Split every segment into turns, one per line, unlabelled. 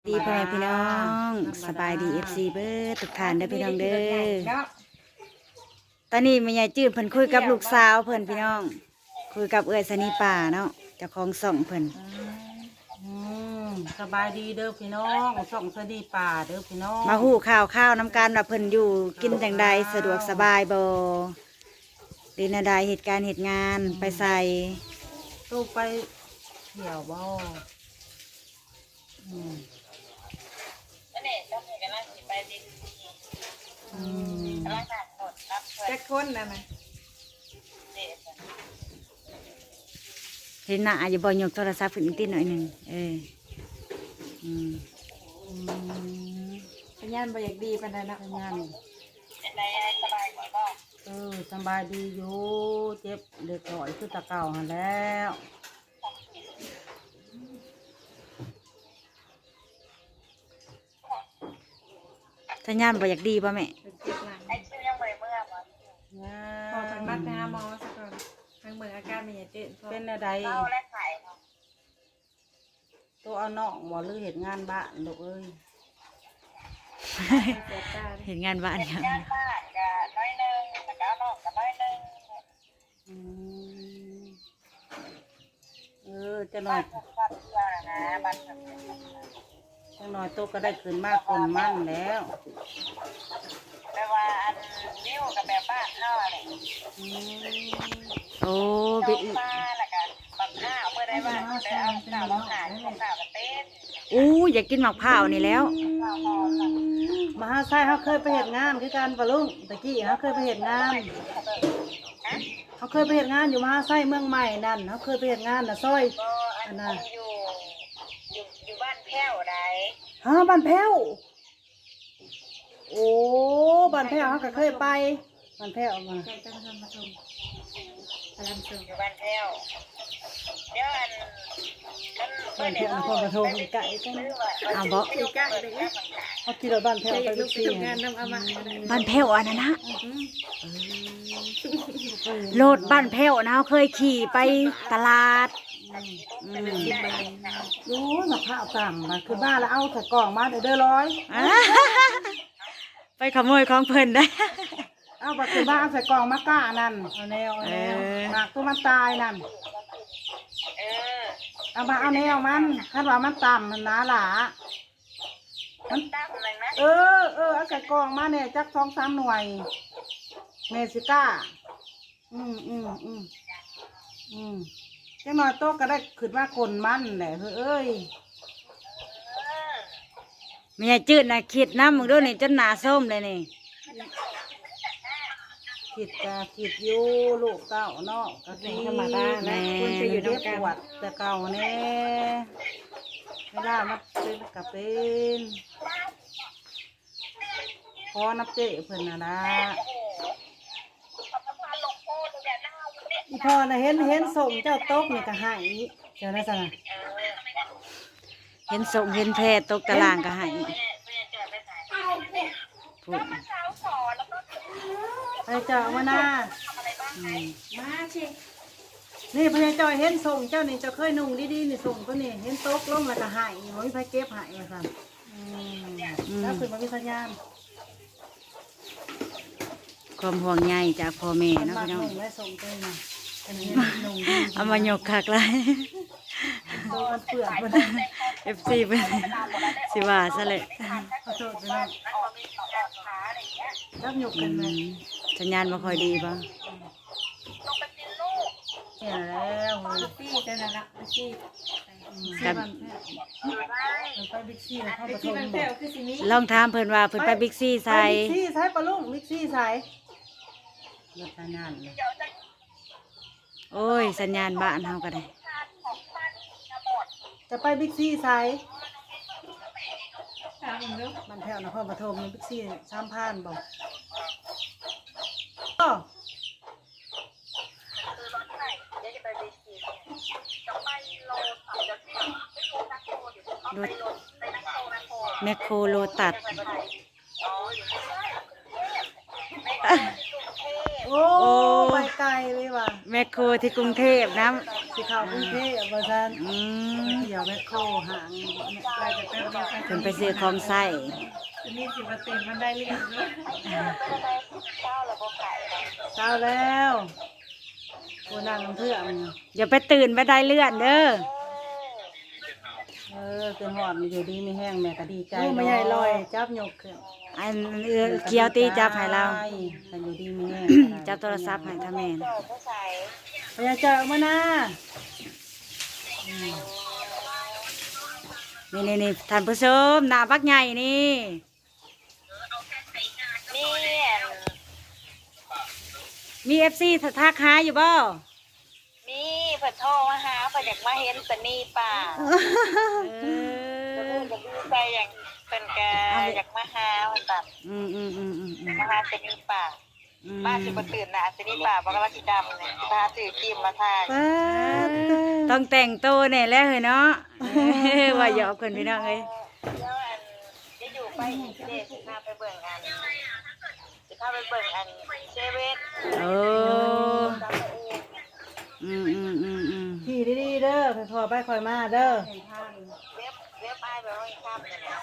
ดีพ่อแม่พี่น้องสบายดีFCเบิร์ทุกท่านเด้อพี่น้องเด้อตอนนี้แม่ยายจื้นเพิ่นคุยกับลูกสาวเพิ่นพี่น้องคุยกับเอื้อยสนีป่าเนาะเจ้าของส่องเพิ่น
สบายดีเด้อพี่น้องส่งสดีป่าเด้อพี่น้อง
มาฮู้ข่าวน้ำกันว่าเพิ่นอยู่กินจังใดสะดวกสบายบ่ดีนาใดเหตุการณ์เหตุงานไปใส่
ตู้ไปเที่ยวบ่
แจ็คคนนะมัน
เห็นหน้าอยู่บ่ยกโทรศัพท์ขึ้นอีกติหน่อยหนึง
พยานบ่อยากดีปานใดนะ
ทำงานสบายดีอยู่เจ็บเด็กหน่อยคือตะเก่าหันแล้ว
สัญญาณบ่อยากดีป่ะแม่
เป็นเจ็บหลังพอเป็นมัดไปหาหมอสักก่อนทางเมืองอาการมีเจ็บ
เป็นอะไรตัวเอาน้องบ่หรือเหตุงานบ้านลูกเอ้ย
เจ็บตา
เห็นงานบ้านยัง
อืมจะหน่อยตัวก็ได้คืนมากคนมั่งแล้ว
โอ้เบอีอู้อยากกินหมักเผาวนี่แล้ว
มหาไซเขาเคยไปเหตุงานคือการปะลุงตะกี้เขาเคยไปเหตุงานเขาเคยไปเหตุงานอยู่มหาไซเมืองใหม่นั่นเขาเคยไปเหตุงานน่ะซอยอันน่ะอยู่บ้านแพ้วไหนฮะบ้านแพ้วโอ้บ้านแพ้วเขาก็เคยไปบ้านแพ้วมา
แจ็คจะมาทำมาชมพลังชม
บ้านแพ้วนครปฐมไก่กัน
เอาบ่
อีกะเลย
เขาขี่รถบ้านแพ้ว
จะอ
ไป
ยากลุ
ทุ
ก
ก
ไป
ที
ทำงานนำเอามา
บ้านแพ้วอันนั้นนะโลดบ้านแพ้วนะเขาเคยขี่ไปตลาด
รู้หนักข้าวต่ำมาคือบ้านแล้วเอาใส่กล่องมาเด้อร้อย
ไปขโมยของเพิ่นได้
เอาไปคือบ้านเอาใส่กล่องมาก้านั่นเอาแนวหนักตัวมันตายนั่นเอามาเอาแนวมันคาดว่ามันต่ำมันหนาหลามันเอาใส่กล่องมาเนี่ยจัก2-3 หน่วยเมซิก้าจังหน่อยโต๊ะก็ได้ขึ้นว่าคนมันแหละเอ้ย
แม่จืดนะคิดน้ำมึงดูนี่จนหนาส้มเลยนี่
คิดอยู่ลูกเก่าเนาะก็เป็นธรรมดาแหละคนจะอยู่ด้วยปวดแต่เก่าแน่เวลามันเป็นกับเป็นพอนับเจ๊เพิ่นนะอีพอนะเห็นส่งเจ้าโต๊ะนี่ก็ใหายเจ้าได้สั่ง
เห็นส่งเห็นแพทย์ตกตารางก็ให้พูด
ไปเจ้ามาหน้า
มาเช็ค
นี่พญาจอยเห็นส่งเจ้านี่เจ้าเคยนุ่งดีๆนี่ส่งก็นี่เห็นโต๊ะลงแล้วก็ใหายมันไม่ไปเก็บใหายมาสั่นแล้วคือมันมีสัญญาณ
ความห่วงใยจากพ่อแม่
มัน
เนาะ
มา
พี่น้อง
นุ่งและส่งตัวน่ะอันนี้นุ่งดี
เอามายกคักเลย
โต๊ะมันเปื่อยมัน
FC เป็นสิว่าซะเลย
ขอโทษไปนะรับหยกกันไหม
สัญญาณบ่ค่อยดีป่ะ
เนี่ยแล้วเฮ้ย
ซี่เจ้านั่นละซี่
กับ
มันไปบิ๊กซี่แล้วเข้า
ไอ้
ป
ที่
ฐ
มัน
ม
แผ่วคือสิมี
ลองถามเพิ่นว่าเพิ่นไปบิ๊กซี
ไป
ใส่
บิ๊กซี่ใส่ปลาลุงบิ๊กซี่ใส่รถนานเลย
โอ้ยสัญญาณบ้านเฮาก็ได้
จะไปบิ๊กซี่ใส่
ถามมึงดู
มันแถวนครปฐมบิ๊กซี่3,000บอก
รถแมคโครโลตัส
โอ้ไปไกลเลยว่ะ
แมคโครที่กรุงเทพนะ
สิเข้ากรุงเทพว่าซั่น
อืม
เดี๋ยวแม่โคหาง
ไปแต่แป๊บเดียวกัน
เพิ่นไปซื้อของใส่
จะมีสิมาตื่นมันได้เรียนด้วย
เช้าแล้วโคนั่งน้ำเพื่อน
อย่าไปตื่นไปได้เลื่อนเด้อ
เกินหอดอยู่ดีไม่แห้งแม่ก็ดีใจไม่ใหญ่ลอยจับยกขึ้น
อันเกียวตีจับให้เรา
แต่อยู่ดีไม่แห้ง
จับโทรศัพท์ให้ท่าแม่น
พยาเจอมานะ
นี่ท่านผู้ชมหน้าบักใหญ่นี่ มี FC ทักหาอยู่บ่
มีเพิ่นโทรมาหาเพิ่นอยากมาเห็นสนีป่า
เอ
เพิ่น
อ
ก็ดีใจอย่างเพิ่นก็อยากมาหาเพิ่นแบบ
อืม
มาหาสนีป่ามาสิบ่ตื่นนะสนีป่าบ่กำลังสิดำเนี่ยสิพาซื้อครีมมาทา
ต้องแต่งตัวแน่แล้วเฮ้ยเนาะ ว่าหยอกคนพี่น้องเอ้ย
แล้วจะอยู่ไปอีกเด้สิพาไปเบิ่งอันสิพาไปเบิ่งอันเซเว่น
โอ้
จำตัวเอง
ขี่ดีๆเด้อคอยไปคอยมาเด้อ
เว็บอ้ายไปห้องค่ำเนี่ยนะ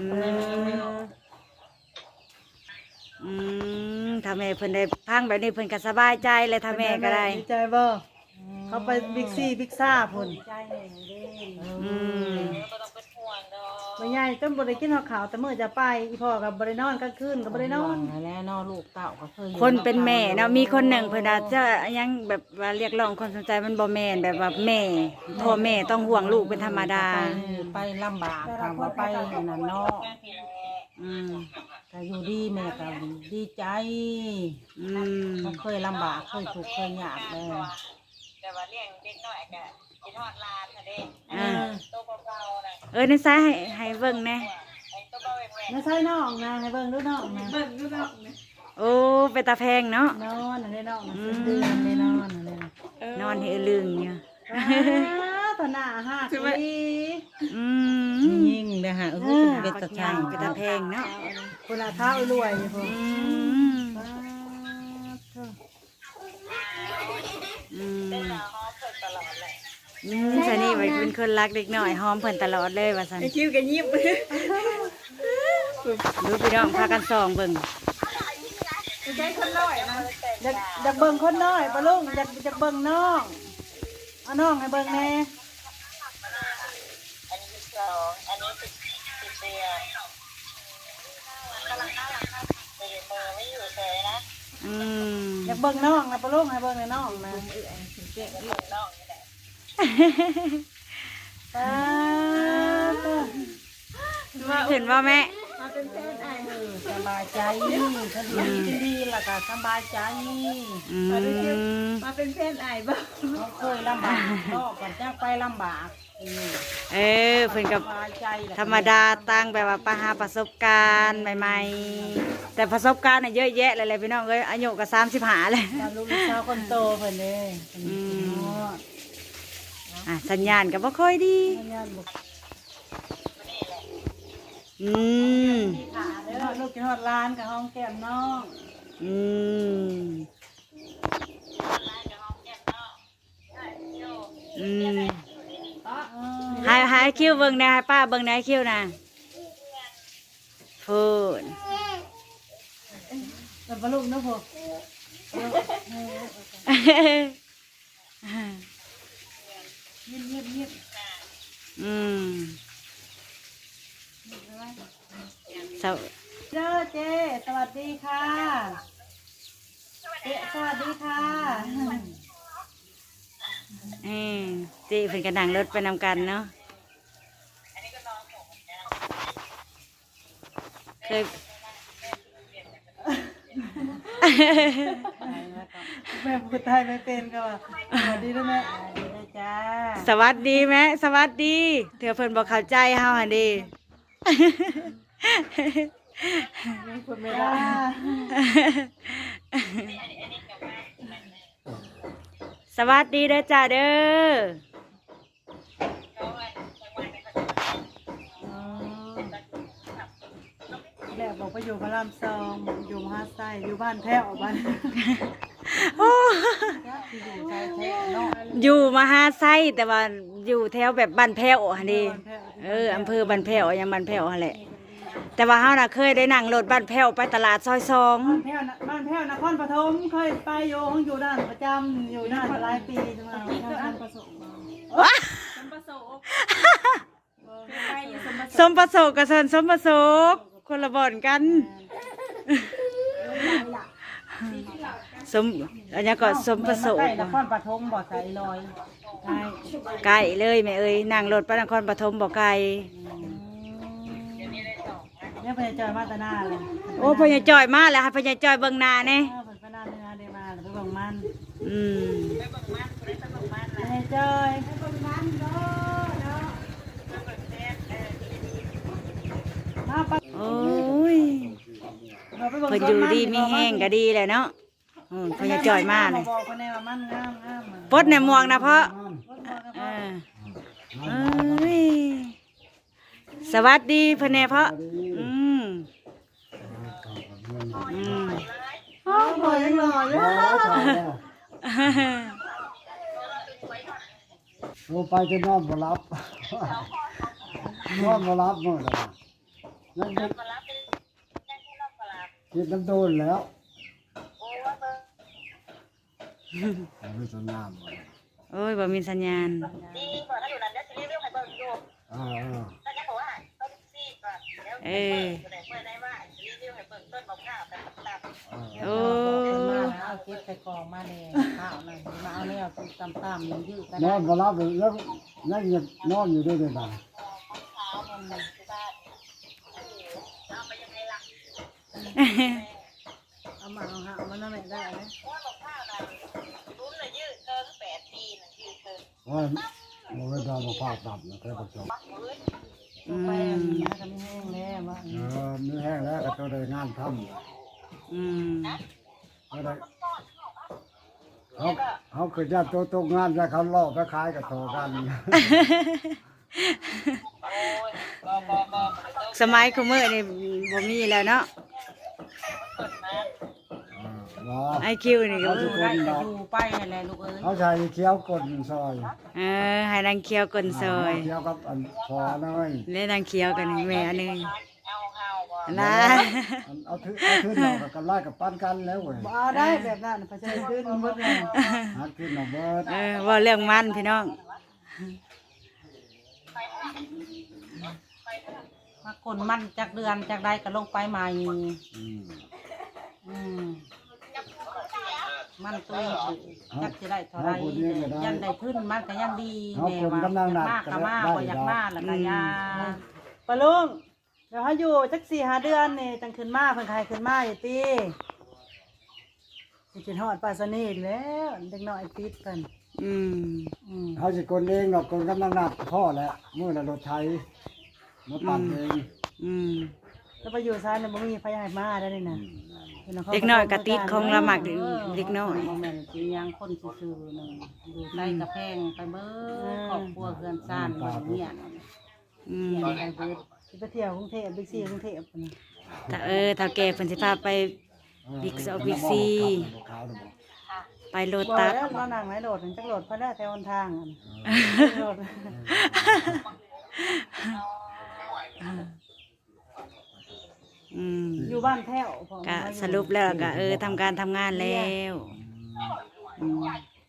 ถ้าแม่เพิ่นได้พังแบบนี้เพิ่นก็สบายใจเลยถ้าแม่ก็ได้
ดีใจบ่เขาไปบิ๊กซีบิ๊กซ่าพุ่น
อืม
บ่ต้องเป็นห่วงดอก
ไม่ใหญ่ต้นบริกินข้าวแต่เมื่อจะไปอีพ่อกับบริโนอนกลางคืนกับบริโนอน
แล้วนอลูกเต่าก็เคย
คนเป็นแม่เนาะมีคนหนึ่งเพิ่นอาจจะยังแบบว่าเรียกร้องความสนใจมันบ่แม่นแบบว่าแม่พ่อแม่ต้องห่วงลูกเป็นธรรมดา
ไปลำบากคำว่าไปนั่นเนาะ
อืม
แต่อยู่ดีแม่ก็ดีใจ
อืม
เขาเคยลำบากเคยถูกข์เคยยากเลย
แต่ว่าเลี้ยงเด็กน้อยก็กินฮอดลานน่ะเด้
อ่า
ตัวเบาๆน่ะ
ในซ้ายให้เบิ่งแน่
ไอ้ตัวเบาแหวก
ไม่ใช่น้องนะให้เบิ่งดูน้องนะ
เบิ่งดูเนาะเนี่ย
โอ้ไปตาแพงเนาะ
นอนอันนี้น้องนะเป็นเดือนเลยนอนอันนี้นะ
นอนให้ลึงอยู่
ตาหน้าหักดี
อืม
ยิ่งนะฮะเป็นตะช่าง
ไปตาแพงเนาะ
คนละเท้ารวยอยู่พุ่น
อืมอืม
เฮาเพิ่นตลอดเลย
ชานี่เป็นคนรักเด็กน้อยหอมเพิ่นตลอดเลยว่าซั่น
ไอคิวกันยิบ
ดูพี่น้องพากันส่องเบิ่ง
ใช้คนน้อยนะ
อยากเบิ่งคนน้อยปะลุงอยากเบิ่งน้องเอาน้องให้เบิ่งแน่
อันนี้12อันนี้10เดือนกำลังน่ารักครับเด็กเบอร์ไม่อยู่เฉยนะ
อืม
อยากเบิ่งน้องนะปะลุงให้เบิ่งในน้องนะ
น้องนี่แหละ
ป้า
เห็นว่าแม่
สบายใจถ้าดีดีแล้วก็สบายใจ
อืม
มาเป็นเพื่อนไอ้บ้าง
เขาเคยลำบากก็ก่อนจะไปลำบาก
เเพิ่นกับ
สบายใจ
ธรรมดาตั้งแบบว่าหาประสบการณ์ใหม่ๆ แต่ประสบการณ์น่ะเยอะแยะเลยพี่น้องเอ้ยอายุก็35เลย
ตาลูกสาวคนโตเพิ่นเด้
สัญญาณก็บ่ค่อยดี
งานบุก
อืม
เด้อลูกกินฮอดร้านกับห้องแก้มน้อง
อืมอืมให้คิวเบิ่งนะให้ป้าเบิ่งนะให้คิวนะพูด
แต่ปลาลูกนะพ่อเงียบ
อืมสว
เด้อเจ๊สวัสดีค่ะเจ๊สวัสดีค่ะ
จีเพิ่นก็นั่งรถไปนำกันเนาะเคย
แม่พูดไทยไม่เป็นก็ว่าสวัสดีด้วยแม่
จ้า
สวัสดีแม่สวัสดีเถื่อเพิ่นบอกเข้าใจเฮาหั่นดี
พูดไม่ได้
สวัสดีเด้อจ้าเด้อ
แม่บอกไปอยู่พระราม2อยู่มหาไซอยู่บ้านแพ้วบ้าน
โอ้
ที่อยู่ชายแท้เนาะ
อยู่มหาไซแต่ว่าอยู่แถวแบบบ้านแพ้วหั่นดิอำเภอบ้านแพ้วยังบ้านแพ้วหั่นแหละแต่ว่าเฮาน่ะเคยได้นั่งรถบ้านแพ้วไปตลาดซอย2
บ้านแพ้วนครปฐมเคยไปอยู่ห้องอยู่ด้านประจำอยู่ด้านหลายปีจังหวะ
นี่ก็อันประสงค์สมประสงค์ไปอยู่สมประส
ส
งค์
มประสบกับสมประสบคนละบ่อนกันสมอันนี้ก็สมประสบ
ใกล้นครปฐมบ่ใส่ลอยใช่
ไกลเลยแม่เอ้ยนั่งรถไปนครปฐมบ่ไกล
เนี่ยพญาจอยมาตาหน้าเลย
โอ้พญาจอยมาแล้วให้พญาจอยเบิ่งหน้าแน่
เพิ่นไปหน้าเนื้อได้มาแล้วไปเบิ่งมัน
อืม
พญาจอยมาไป
โอ้ย
เราไปเบิ่ง
เพิ่นอยู่ดีมีแห้งก็ดีแหละเนาะพญาจอยมาเลย
บอกคนแน่ว่ามันงาม
ปดในหมวกนะเพราะเออเอ้ยสวัสดีเพิ่นแน่เพราะอืมอืม
โอ้โหยังหล่อเลย
โอ้ไปจะนอนบ่รับ นอนบ่รับมื้อละนั่นกินน้ำโดนแล้วไม่สนามบ่
โอ้ยบ่มีสัญญาณ
ดีก่อนถ้าอยู่นั้นจะรีวิวให้เบิ่งอยู่
อ่า
ถ้าจะบอกว่าต้นซีก่อนแล้วเปิดได้ว่ารีวิวให้เบิ่งต้นมะพร้าวแบบตับ
โอ้
มาแล้วเอาเก็บใส่กองมาแน่ข้าวนั่นมาเอาแล้วตามๆยังยืดกัน
นอนบ่รับแล้วยังนอนอยู่ด้วยเด้อบ่า
เอามาเอาหามันนั่นแหละได้นะ
ว่ามะพร้าวนั้นรุ่นน่ะยืดเกิน8 ปีน่ะยืดเกิน
ว่าบ่ได้ดาวบ่พาตับนะแค่ประจบ
อื
ไป
ม
นะก็ไม่แห้งแล้วว่า
มีแห้งแล้วก็ต้องได้งานทำ
อืม
เขาได้เขาคือญาติตัวตกงานแล้วเขาล่อไปขายกับโทกัน
โอ้ยบ่
สมัยคุมื้อนี่บ่มีแล้วเนาะ ไอคิวนี่ก็
อยู่ได้ก็อยู่ไปนั่นแหละลูกเอ้ย
เขาใช้เคี้ยวกลนซอย
ให้นางเคียวกลนซอย
เคี้ยวกับอันพอน้อย
เล่นนางเคียวกันแม่อันหนึง
เอาบ่
นะ
เอาขึ้นเรากับไล่กับปั้นกันแล้วเว้ย
เอาได้แบบนั้นพอใจขึ้นหมดเลย
หาขึ้นเอาเบิด
ว่าเรื่องมันพี่น้อง
มาคนมันจากเดือนจากใดก็ลงไปใหม่
อืม
อืมมันตัวจักจะได้เท่าไรยันได้ขึ้นมันก็ยังดีแม่ว่าอยากมากก็มากบ่อยากมากแล้วก็ยา
ปะลุงเดี๋ยวเขาอยู่จัก4-5 เดือนนี่จังขึ้นมาเพิ่นใครขึ้นมาอยู่ติสิกินฮอดปลาสนิทแล้วเด็กน้อยติดเพิ่น
อืม
เขาสิคนเองดอกคนกำลังนับพ่อแหละมื้อละรถไถมาปั่นเอง
อืม
แล้วไปอยู่ซ้ายเนี่ยบ่มีไฟให้มาได้นี่นะ
เด็กน้อยกะติดของละหมักเด็กน้อย
บ่แม่นสิยังคนซื่อๆนึงอยู่ใต้กระแพงไปเบิดครอบครัวเพื่อนซ่านบ่เนี่ย
อืม
ไปเบิด
สิไปเที่ยวกรุงเทพบิ๊กซีกรุงเทพพุ่นน่ะ
ถ้าแก่เพิ่นสิพาไปบิ๊กซอบิ๊กซีไปโล
บ่
ตัส
แล้วมานั่งไหนโดดจักโดดเพิ่นได้แถวหนทางอะโดด
อืม
อยู่บ้านแพ้วผม
ก็สรุปแล้วก็ทำการทำงานแล้วอืม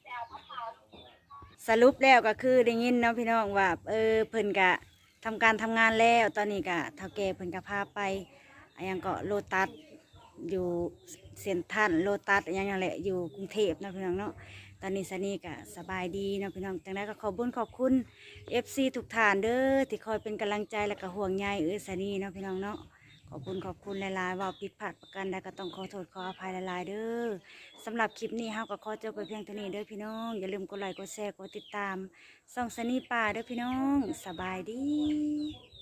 สรุปแล้วก็คือได้ยินเนาะพี่น้องว่าเพิ่นก็ทำการทำงานแล้วตอนนี้ก็เฒ่าแก่เพิ่นก็พาไปอันยังก็โลตัสอยู่เซ็นทรัลโลตัสอันยังนั่นแหละอยู่กรุงเทพเนาะพี่น้องเนาะตอนนี้สนี่ก็สบายดีเนาะพี่น้องจังไดก็ขอบคุณ FC ทุกท่านเด้อที่คอยเป็นกำลังใจและก็ห่วงใยสนี่เนาะพี่น้องเนาะขอบคุณหลายๆว่าผิดพลาดประการใดก็ต้องขอโทษขออภัยหลายๆเด้อสำหรับคลิปนี้เฮาก็ขอจบไปเพียงเท่านี้เด้อพี่น้องอย่าลืมกดไลค์กดแชร์กดติดตามส่องสนี่ป่าเด้อพี่น้องสบายดี